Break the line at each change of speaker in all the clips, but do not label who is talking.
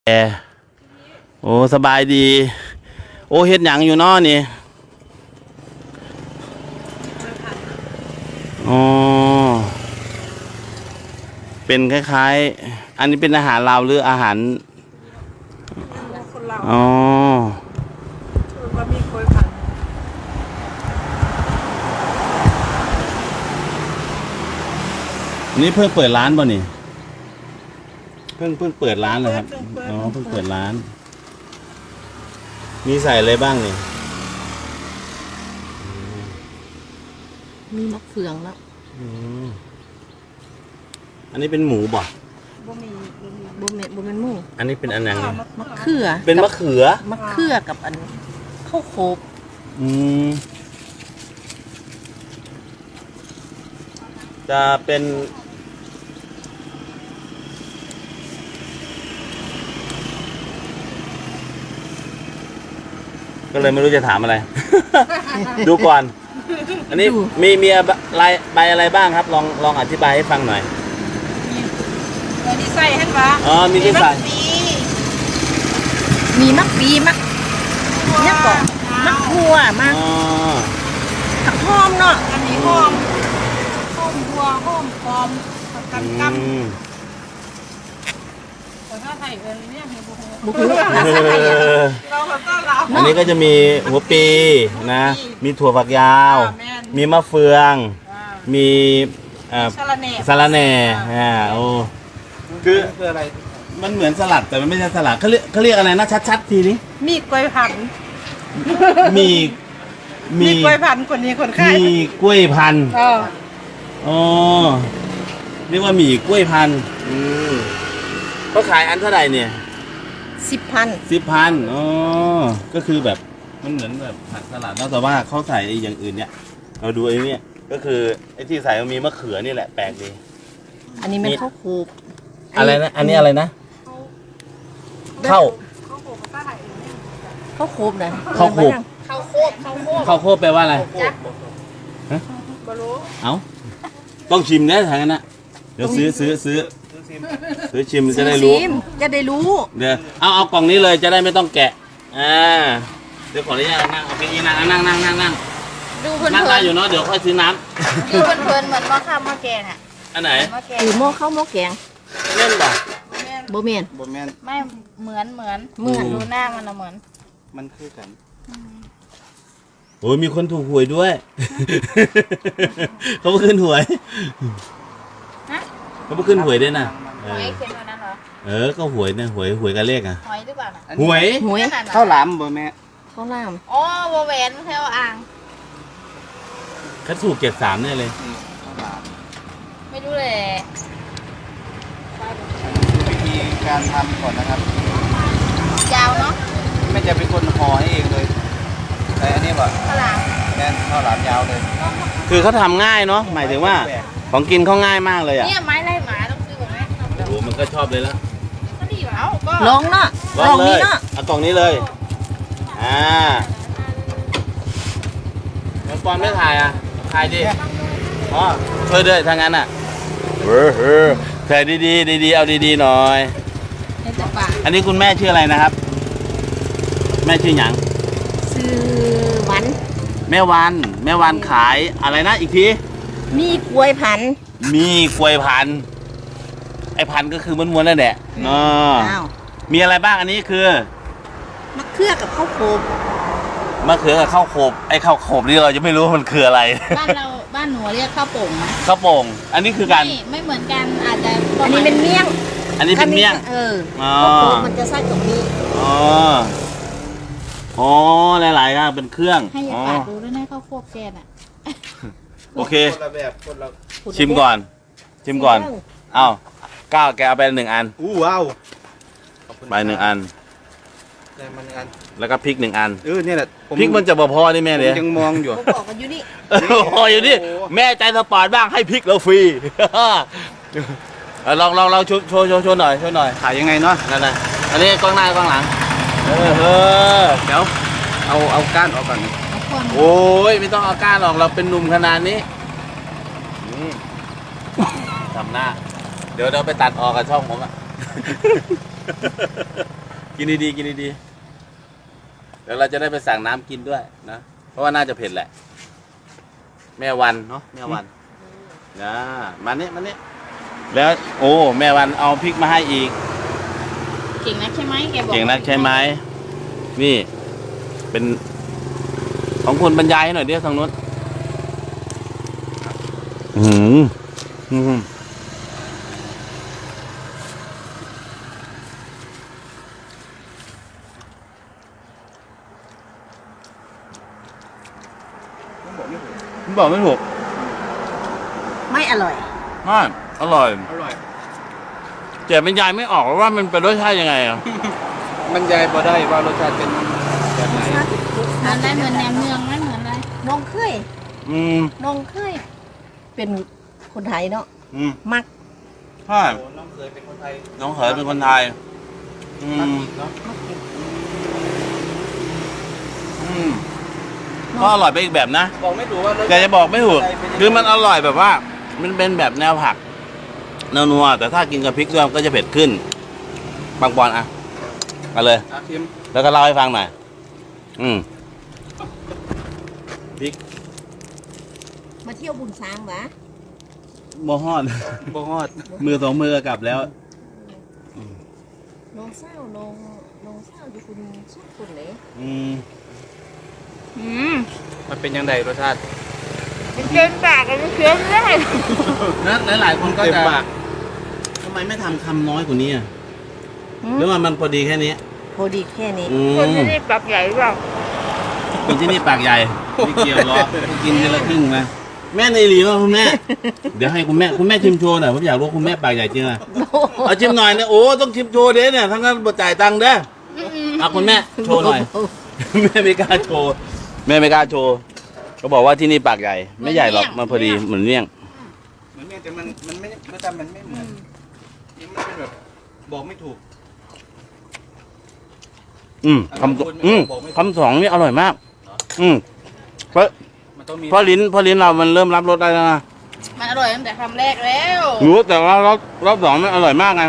โอ้สบายดีโอ้เฮ็ดหยังอยู่น้อนี่อ๋อเป็นคล้ายๆอันนี้เป็นอาหารลาวหรืออาหาร
คนลาว
อ๋อ
ว่ามีโคยผัน
นี่เพิ่งเปิดร้านป่ะนี่เพิ่งเปิดร้านเลยครับอ๋อเพิ่งเปิดร้านมีใส่อะไรบ้างนี่
มีมะเฟืองแล้ว
อันนี้เป็นหมูบ่
บ่มี
บ่แม่นหมู
อันนี้เป็นอันยังไง
มะเขือ
เป็นมะเขือ
มะเขือกับอันข้าวโคบ
จะเป็นก็เลยไม่รู้จะถามอะไร ดูก่อน อันนี้มีใบอะไรบ้างครับ ลองอธิบายให้ฟังหน่อย
มีใส่ให้ปะ
อ๋อมีที่ใส่
มีมะปีมะเนี่ยก่อนมะหัวมะผักหอมเนาะ
อันนี้หอมบัวหอมปอมกันกัแต่ถ้าไทยเนี่ยมีบุกเราก็เรา
อันนี้ก็จะมีหัวปีนะมีถั่วฝักยาวมีมะเฟืองมีสะระแหน่โอ้คืออะไรมันเหมือนสลัดแต่มันไม่ใช่สลัดเขาเรียกอะไรนะชัดๆทีนี้
มีกล้วยผัน
มี
กล้วยพันคนนี้คนไข้
มีกล้วยพันอ๋อเรียกว่าหมี่กล้วยพันเขาขายอันเท่าไหร่เนี่ย10,000อ๋อก็คือแบบมันเหมือนแบบผัดสลัดแล้วแต่ว่าเขาใส่อย่างอื่นเนี่ยเราดูไอ้นี่ก็คือไอ้ที่ใส่มันมีมะเขือนี่แหละแปลกดี
อันนี้มันข้าวโคบ
อะไรนะอันนี้อะไรนะข้าว
โคบนะ
ข้าวโคบ
ข้าว
โคบแปลว่าอะไรฮะเอ้าต้องชิมนะทางนั้นนะเดี๋ยวซื้อชิมจะได้รู้
จะได้รู้
เดี๋ยวเอากล่องนี้เลยจะได้ไม่ต้องแกะเดี๋ยวขออนุญาตนั่งเอาไปนั่ง
ดูเพลิน
นั่งได้อยู่เนาะเดี๋ยวค่อยซื้อน้
ำดูเพลินเหมือนหม้อข้าวหม้อแกงอ่ะ
อันไหน
หรือหม้อข้าวหม้อแกง
เล่นป่ะ
โบเมน
ไม่เหมือนดูหน้ามันเหมือน
มันคือกันโอ้ยมีคนถูกหวยด้วยเขาขึ้นหวยเขาขึ้นหวยด้วยนะ
หวยเขียนตัวนั้นเหรอ
ก็หวยนะหวยกันเลขอ่ะ
หวยหรือเปล่า
หวย
ข้าวหลามบ่แม่
ข้าวหลาม
อ๋อโบแหวนแถวอ่าง
เขาถูก73เนี่ยเลย
ไม่รู้เลย
วิธีการทำก่อนนะครับ
ยาวเนาะ
แม่จะเป็นคนห่อให้เองเลยแต่อันนี้แบบ
ข้าวหลาม
แม่ข้าวหลามยาวเลย
คือเขาทำง่ายเนาะหมายถึงว่าของกินเขาง่ายมากเลยอ่ะ
เนี่ยไม้ไล่หมาต้องซื้อผมไหม
โอ้มันก็ชอบเลยแล้ว
ก็ดีอยู่แล้วก็
ลองเนาะ
ลองเลยเอากล่องนี้เลยน้องปอนไม่ถ่ายถ่ายดิอ๋อช่วยด้วยทางนั้นอ่ะถ่ายดีเอาดีหน่อยอันนี้คุณแม่ชื่ออะไรนะครับแม่ชื่อหยัง
ชื่อวัน
แม่วันขายอะไรนะอีกที
มีกล้วยพัน
ไอ้พันก็คือม้วนๆนั่นแหละมีอะไรบ้างอันนี้คือ
มะเขือกับข้าวโคบ
มะเขือกับข้าวโคบไอ้ข้าวโคบนี่เราจะไม่รู้ว่ามันคืออะไร
บ้านหนูเรียกข้าวโป่งนะ
ข้าวโป่งอันนี้คือกัน
ไม่เหมือนกันอาจจะ
อันนี้เป็นเมี่ยง
อันนี้เป็นเมี่ยง
ข้าวโพดมันจะไส้ตรงนี้
หลายๆครับเป็นเครื่อง
ให้ยาปาดดูด้วยนะข้าวโพดแกน
โอเคชิมก่อนอ้าวก้าวแกเอาไป1 อัน
ว้าว
ไป1 อันแล้วก็พริก1 อัน
เนี่ยแหละ
พริกมันจะพอนี่แม่เลย
ยังมองอยู่
บอกกันอยู่นี่
อยู่นี่แม่ใจสปอร์ตบ้างให้พริกเราฟรีลองโชว์หน่อย
ขายยังไงเนาะ
นั่นอันนี้กล้องหน้ากล้องหลัง
เดี๋ยวเอาก้านออกก่อน
โอ้ยไม่ต้องเอาก้านออกเราเป็นหนุ่มขนาดนี้ทำหน้าเดี๋ยวเราไปตัดออกกับช่องผมกินดีๆกินดีๆเดี๋ยวเราจะได้ไปสั่งน้ำกินด้วยนะเพราะว่าน่าจะเผ็ดแหละ แม่วันเนาะแม่วันนะมานี่แล้วโอ้แม่วันเอาพริกมาให้อีก
เก่งนักใช่ไหมแกบอก
เก่งนักใช่ไหมนี่ เป็นของคุณบรรยายให้หน่อยเดี๋ยวทางนู้นผมบอกไม่ถูก
ไม่อร่อย
อร่อย
อร่อย
แต่บรรยายไม่ออกว่ามันเป็นรสชาติยังไงอ่ะ
มันยายพอได้ว่ารสชาติเป็นแบบไหน
มันได้เหมือนแหนมเนืองไหมเหมือนอะไร
น้องเคย
อืม
น้องเคย เป็นคนไทยเนาะ
อืม
มัก
ใช่
น้องเคยเป็นคนไทย
น้องเขยเป็นคนไทย อืม
เนาะ
มักกิน
อืมก็อร่อยไปอีกแบบนะ
บอกไม่ถูกว่ารส
แต่จะบอกไม่ถูกคือมันอร่อยแบบว่า มันเป็นแบบแนวผักนัวๆแต่ถ้ากินกับพริกด้วยมันก็จะเผ็ดขึ้นบางปอนอ่ะมาเลย
อาชิม
แล้วก็เล่าให้ฟังหน่อยพริก
มาเที่ยวบุญช้างหวะ
โมฮอด
บฮอด
มือสองมือกลับแล้ว
น้องเศร้าน้องเศร้าอยู่คุณสุดคุณเลย
อืม
มันเป็นยังไงรสชาติ
มันเกินปากมันเคี้ยวไม่ได้
นะหลายๆคนก็
เต็ม
จะ
ปาก
ทำไมไม่ทำคำน้อยกว่านี้อ่ะหรือว่ามันพอดีแค่นี้
พอดีแค่นี้
คนที่นี่ปากใหญ่เปล่า
คนที่นี่ปากใหญ่ไม่เกี่ยวหรอกกินทีละครึ่งนะแม่ในหลีว่าคุณแม่ เดี๋ยวให้คุณแม่ชิมโชว์หน่อยผมอยากรู้คุณแม่ปากใหญ่จริงอ่ะเอาชิมหน่อยนะโอ้ต้องชิมโชว์เด้เนี่ยทั้งนั้นบ่จ่ายตังค์เด้อเอาคุณแม่โชว์หน่อย แม่ไม่กล้าโชว์แม่ไม่กล้าโชว์เขาบอกว่าที่นี่ปากใหญ่ไม่ใหญ่หรอกมันพอดีเหมือนเมี่ยง
เหมือนเนี่ยแต่มันไม่รสชาติมันไม่เหมือนนี่มันเป็นแบบบอกไม่ถูก
คำสองนี่อร่อยมาก เพราะ
มันต้องมี
เพราะลิ้นเรามันเริ่มรับรสได้แล้วนะ
มันอร่อยตั้งแต่คำแรกแล้ว
รู้แต่ว่ารอบสองมันอร่อยมากไง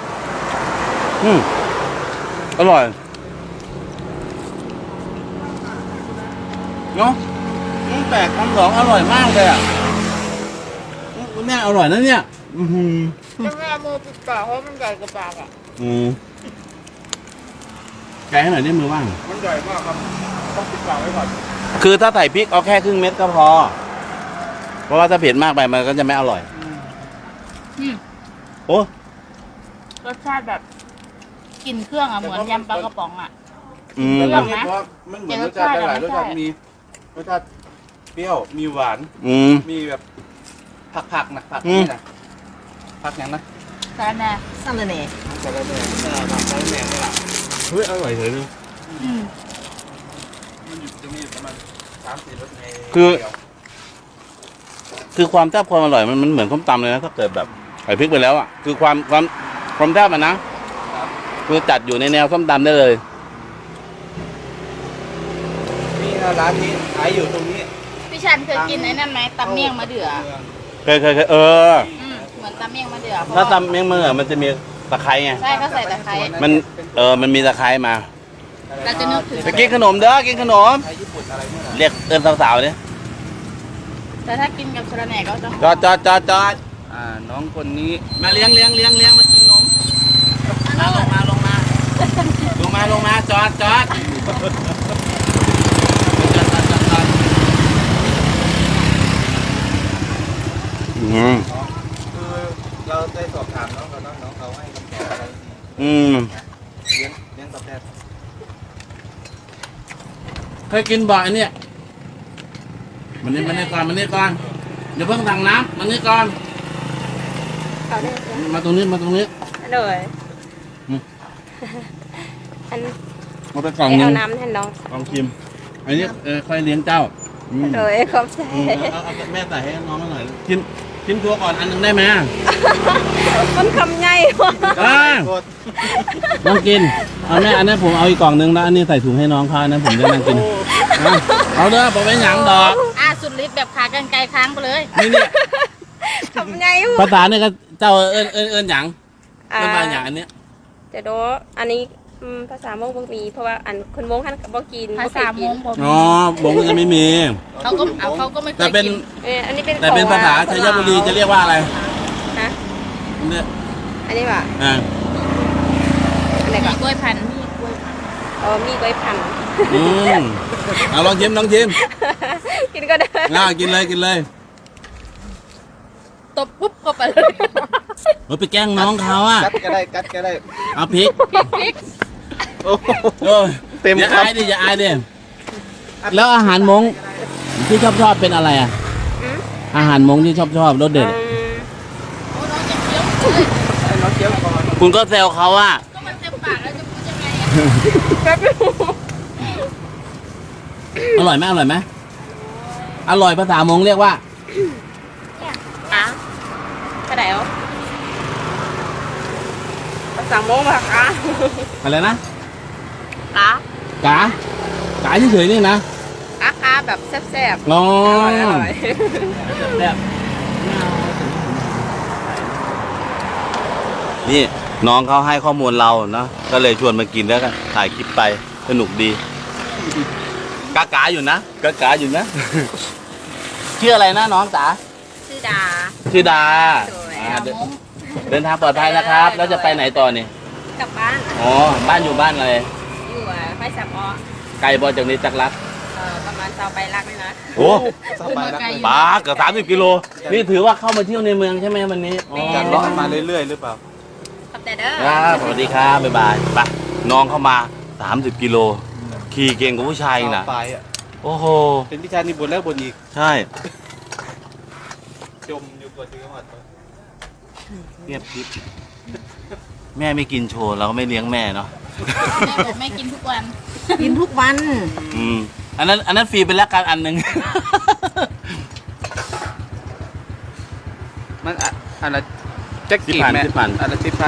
อร่อยเนาะแปลกคำสองอร่อยมากเลยอ่ะแม่อร่อยนะเนี่ย
แม่มือปิดปากเพราะมันใหญ่กว่าปากอ่ะ
แกะให้หน่อยได้มือว่าง
มันใหญ่มากครับต้องปิดปากไว้ก่อน
คือถ้าใส่พริกเอาแค่ครึ่งเม็ดก็พอ เพราะว่าถ้าเผ็ดมากไปมันก็จะไม่อร่อยโอ้
รสชาติแบบกลิ่นเครื่องอ่ะเหมือนยำปลากระป๋องอ่ะ
เพราะว่ามันเหมือนรสชาติหลายรสชาติมีรสชาติเปรี้ยวมีหวาน มีแบบผักๆนะผักนี่นะผักอย่างนะ
สาแน่
สั่นเลยเนี่ย
แต่ละแบบผักแต่ละแบบนี่แหละ
เฮ้ยอร่อยเลยนะ
มันจะมีประมาณ3-4รสใน
คือความแซ่บความอร่อยมันเหมือนส้มตำเลยนะถ้าเกิดแบบใส่พริกไปแล้วอ่ะคือความแซ่บมันนะคือจัดอยู่ในแนวส้มตำได้เลย
นี่ร้านนี้ขายอยู่ตรงนี้
พี่ชันเคยกินไอ้นั่นไหมตำเมี่ยงมะเดื่อ
เคย
เหมือนตำเมี่ยงมะเดื่อ
ถ้าตำเมี่ยงมือมันจะมีตะไคร้ไง
ใช่ก็ใส่ตะไคร้
มันมีตะไคร้มา
เราจะนึกถึง
ไปกินขนมเด้อกินขนม
ไทยญี่ปุ่นอะไรเนี่ย
เรียกสาวๆเนี่ย
แต่ถ้ากินกับสาแหน่ก็จะ
จอด
น้องคนนี้
มาเลี้ยงมากินขนมลงมาจอด
คือเราได้สอบถามน้องเขาให้คำตอบอะไรเลี้ยงตอบแทน
เคยกินบ่อยเนี่ยมันนี่ก่อนเดี๋ยวเพิ่งสั่งน้ำมันนี่ก่อนมาตรงนี้
เลย อัน
มาไปกล่องหนึ
เอา
ง
น้ำให้น้อง
ลองชิมอันนี้ค่อยเลี้ยงเจ้า
เลยขอบใจ
เอาแม่ใส่ให้น้องมาหน่อยชิมตัวก่อนอันหนึงได้ไหม
มันคำใหญ่ว่ะ
น้องกินเอาแม่อันนั้นผมเอาอีกกล่องหนึงแล้วอันนี้ใส่ถุงให้น้องเขาอันนั้นผมได้นั่งกินเอาเด้อผมไม่หยังดอก
สุดฤทธิ์แบบขากรรไกรค้างไปเลย
นี่เนี่ย
คำใหญ่ว่ะ
ภาษาเนี่ยก็เจ้าเอิ้นหยังเอิ้นมาหยังอันเนี้ย
จะดูอันนี้ภาษามงบ่มีเพราะว่าอันคนมงท่านก็บ่กิน
ภาษามงบ่
อ๋อวงก็จะไม่มี
เขาก็ไม่เค
แต่
ย
เป็น
กิน
อันนี้เป็น
แต่เป็น
ของ
ภาษาชัยบุรีจะเรียกว่าอะไร
ฮะ
เนี่ย
อันนี้ว่ะ
อ่า
อันไหน
มี
ก่อน
กล้วยพันธุ์
มีกล้วยพันธุ์
อืมเอาลองชิมลองชิม
กินก็ได้
กินเลยกินเลย
ตบปุ๊บก็ไปเลย
เราไปแกล้งน้องเขาอ่ะ
กัดก็ได้กัดก็ได้
เอาพริก
โอ้โห
โอ้ย
เต็ม
อย่า
ครับ
อายดิอย่าอายดิแล้วอาหารมงที่ชอบเป็นอะไรอ่ะ อาหารมงที่ชอบรสเด็ด
โอ้น้องจะเคี้ยวเลย
ให้น้องเคี้ยวก่อน
คุณก็แซวเขาอ่ะ
ก็มันเต็มปากแล้วจะพูดยังไงอะ
แป๊บนึง
อร่อยไหมอร่อยไหมอร่อยภาษามงเรียกว่า
อ่ะกระเดวภาษามงภาษา
อะไรนะ
กะ
กาเฉยๆนี่นะ
กะแบบแซ่บ
อ๋อ
ๆอร่อย
แบบนี่น้องเขาให้ข้อมูลเราเนาะก็เลยชวนมากินแล้วกันถ่ายคลิปไปสนุกดีกาอยู่นะกาอยู่นะ ชื่ออะไรนะน้องจ๋า
ชื่อดา
ชื่อดา
สวย
อ่าเดินทางปลอดภัยนะครับ แล้วจะไปไหนต่อนี่
กลับบ้าน
อ๋อบ้านอยู่บ้านอะไร
อยู่ไฟสับอ
ไกลบอจากนี้จักรัก
ประมาณเตาไปรักเลยนะ
โอ้
สบายรักเลย
ป้าเกือบ30 กิโลนี่ถือว่าเข้ามาเที่ยวในเมืองใช่ไหมวันนี้อ๋อ
จะเลาะมาเรื่อยๆหรือเปล่า
ขอบใจเด้อ
ครับสวัสดีครับบ๊ายบายไปน้องเข้ามา30 กิโลขี่เก่งกว่าผู้ชายอีกนะ
ไปอ่ะ
โอ้โห
เป็นพิชานี่บนแล้วบนอีก
ใช่
จมอยู่กับที่จังหวัด
เรียบทิพแม่ไม่กินโชว์เราก็ไม่เลี้ยงแม่เนาะ
แม่บอกแม่กินทุกวัน
กินทุกวัน
อืมอันนั้นฟรีเป็นแลกกันอันหนึ่ง
มันอันละแจ็คกี้แม่
10,000
อันละ10,000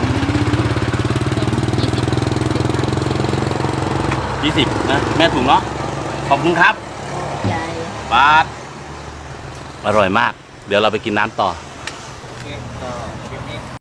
20นะแม่ถุงเนาะขอบคุณครับ
ใหญ่
บาทอร่อยมาก เดี๋ยวเราไปกินน้ำต่อ
โอเคก็คลิป